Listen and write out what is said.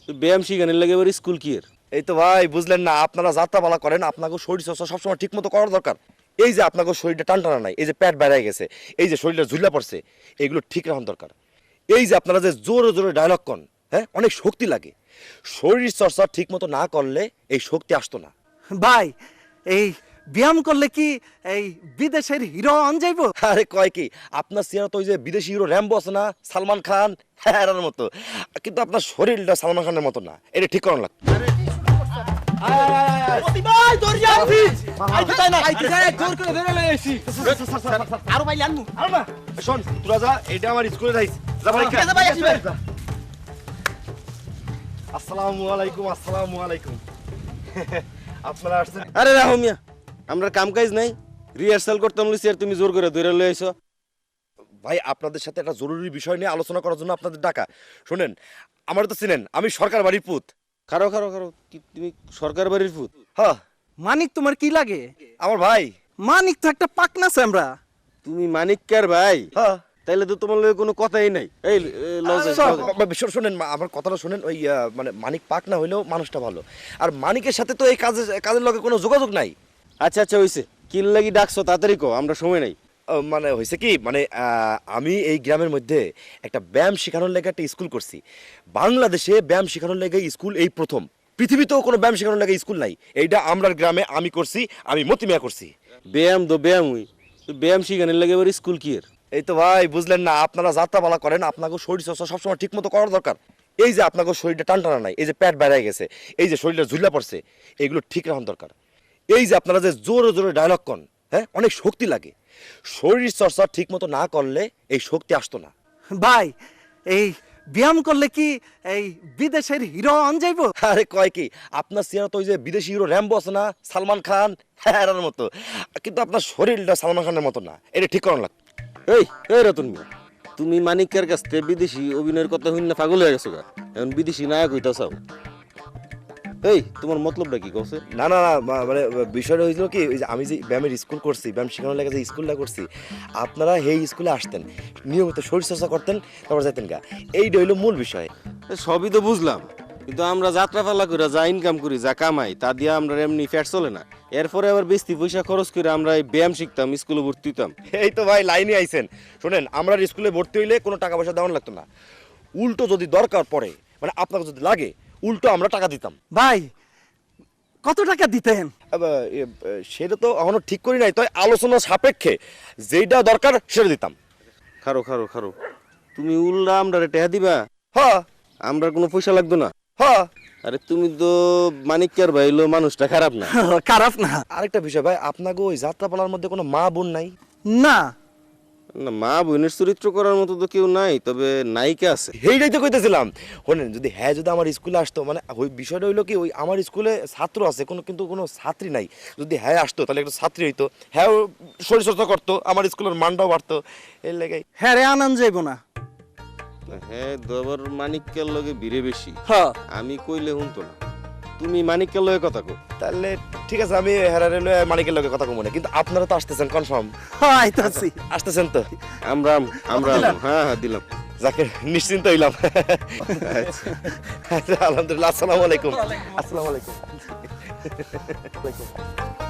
ব্যায়াম শিখানোর লাগে এবার স্কুল কি এর? এই তো ভাই বুঝলেন না, আপনারা যাত্রাপালা করেন, আপনাকে শরীর চর্চা সবসময় ঠিক মতো করার দরকার। এই যে আপনাকে শরীরটা টানটানা নাই, এই যে পেট বেড়ে গেছে, এই যে শরীরটা ঝুলা পড়ছে, এইগুলো ঠিক রাখার দরকার। এই যে আপনারা যে জোরে জোরে ডায়লগ কন, হ্যাঁ অনেক শক্তি লাগে। শরীর চর্চা ঠিক মতো না করলে এই শক্তি আসতো না। ভাই এই ব্যায়াম করলে কি এই বিদেশের হিরো আন যাইব? আরে কয় কি, আপনার চেহারা তো ওই যে বিদেশি হিরো র্যাম্বো আছে না, সালমান খান, হ্যাঁ এর মতো, কিন্তু আপনার শরীরটা সালমান খানের মতো না, এটা ঠিক করানো লাগতো। শোন তোরা যা, এটা আমার স্কুলে যাইস। আসসালামু আলাইকুম। আসসালামু আলাইকুম। আপনারা আসছেন? আরে রাহো মিয়া, আমরা কাম কাজ নাই, রিহার্সাল করতাম লইছি আর তুমি জোর করে ধরে লই আইছো। ভাই আপনাদের সাথে একটা জরুরি বিষয় নিয়ে আলোচনা করার জন্য আপনাদের ডাকা। শোনেন, আমার তো চিনেন, আমি সরকার বাড়ির পুত। খারো খারো খারো, কি তুমি সরকার বাড়ির ফুট? হ্যাঁ মানিক তোমার কি লাগে? আমার ভাই। মানিক তো একটা পাকনা আমরা। তুমি মানিককার ভাই? হ্যাঁ তাইলে তো তোমার লগে কোনো কথাই নাই। এই লজে শোনেন আমার কথাটা শোনেন, ওই মানে মানিক পাক না হইলেও মানুষটা ভালো, আর মানিকের সাথে তো এই কাজের লগে কোনো যোগাযোগ নাই। আচ্ছা আচ্ছা হইছে, কিল লাগি ডাকছো তাড়াতাড়ি কো, আমরা সময় নাই। মানে হয়েছে কি, মানে আমি এই গ্রামের মধ্যে একটা ব্যায়াম শেখানোর লেগে একটা স্কুল করছি। বাংলাদেশে ব্যায়াম শেখানোর লেগে স্কুল এই প্রথম, পৃথিবীতেও কোনো ব্যায়াম শেখানোর লেগে স্কুল নাই। এইটা আমরার গ্রামে আমি করছি, আমি মতিমিয়া করছি। ব্যায়াম তো ব্যায়াম হই, ব্যায়াম শিখানোর লাগে এবার স্কুল কি এর? এই তো ভাই বুঝলেন না, আপনারা যাত্রাপালা করেন, আপনাকে শরীর চর্চা সবসময় ঠিক মতো করার দরকার। এই যে আপনাকে শরীরটা টানটানা নাই, এই যে পেট বেড়ে গেছে, এই যে শরীরটা ঝুলা পড়ছে, এইগুলো ঠিক রাখার দরকার। এই যে আপনারা যে জোরে জোরে ডায়লগ কন, হ্যাঁ অনেক শক্তি লাগে। শরীর চর্চা ঠিক মতো না করলে এই শক্তি আসতো না। ভাই এই ব্যায়াম করলে কি এই বিদেশের হিরো আন যাইব? আরে কয় কি, আপনার চেহারা তো ওই যে বিদেশি হিরো র্যাম্বো আছে না, সালমান খান, হ্যাঁ এর মতো, কিন্তু আপনার শরীরটা সালমান খানের মতো না, এটা ঠিক করানো লাগতো। এই এই রতন মিয়া, তুমি মানিকের কাছ থেকে বিদেশি অভিনয়ের কথা হইন না পাগল হয়ে গেছো গা, এখন বিদেশি নায়ক হইতা চাও? এই তোমার মতলবটা কি কছে? না না না, মানে বিষয়টা হয়েছিল কি, ওই যে আমি যে ব্যায়ামের স্কুল করছি, ব্যায়াম শেখানোর লেগে যে স্কুলটা করছি, আপনারা এই স্কুলে আসতেন, নিয়মিত শরীর চর্চা করতেন, তারপর যেতেন গা, এইটা হইলো মূল বিষয়। সবই তো বুঝলাম, কিন্তু আমরা যাত্রা পালা করে যা ইনকাম করি, যা কামাই, তা দিয়ে আমরা এমনি ফ্যাট চলে না। এরপরে আবার বেশি পয়সা খরচ করে আমরা এই ব্যায়াম শিখতাম, স্কুলে ভর্তি হইতাম। এই তো ভাই লাইনে আইছেন। শোনেন, আমরা স্কুলে ভর্তি হইলে কোনো টাকা পয়সা দেওয়ার লাগতো না, উল্টো যদি দরকার পড়ে, মানে আপনাকে যদি লাগে, উল্টো আমরা টাকা দিতাম। ভাই কত টাকা দিতেন? সেটা তো এখনো ঠিক করি নাই, তাই আলোচনা সাপেক্ষে যেটা দরকার সেটা দিতাম। খারো খারো খারো, তুমি উল্লা আমরা টেহা দিবা, হ্যাঁ আমরা কোনো পয়সা লাগতো না? হ্যাঁ। আরে তুমি তো মানিককার ভাই, হলো মানুষটা খারাপ না। খারাপ না। আরেকটা বিষয় ভাই, আপনাকে ওই যাত্রাপালার মধ্যে কোনো মা বোন নাই? না না, মা বোনের চরিত্র করার মতো তো কেউ নাই, তবে নায়িকা আছে। সেইটাই তো কইতেছিলাম। শোনেন, যদি হ্যাঁ যদি আমার স্কুলে আসতো, মানে ওই বিষয়টা হইলো কি, ওই আমার স্কুলে ছাত্র আছে কিন্তু কোনো ছাত্রী নাই, যদি হ্যাঁ আসতো তাহলে একটা ছাত্রী হইতো, হ্যাঁ শরীরচর্চা করতো, আমার স্কুলের মানটাও বাড়তো, এর লেগে। হ্যাঁ রে আনন্দ যাইব না। হ্যাঁ দবার মানিককার লগে ভিড়ে বেশি, হ্যাঁ আমি কইলে শুনতো না। তুমি মানিককার লগে কথা কো। তাহলে ঠিক আছে, আমি হেরারে লয়ে মানিকের লগে কথা কমু না, কিন্তু আপনারা তো আসতেছেন কনফার্ম? হ্যাঁ আইতাছি। আসতেছেন তো? আমরা আমরা হ্যাঁ হ্যাঁ দিলাম। যাকে নিশ্চিন্ত হইলাম। আচ্ছা, আলহামদুলিল্লাহ। আসসালামু আলাইকুম। আসসালামু আলাইকুম।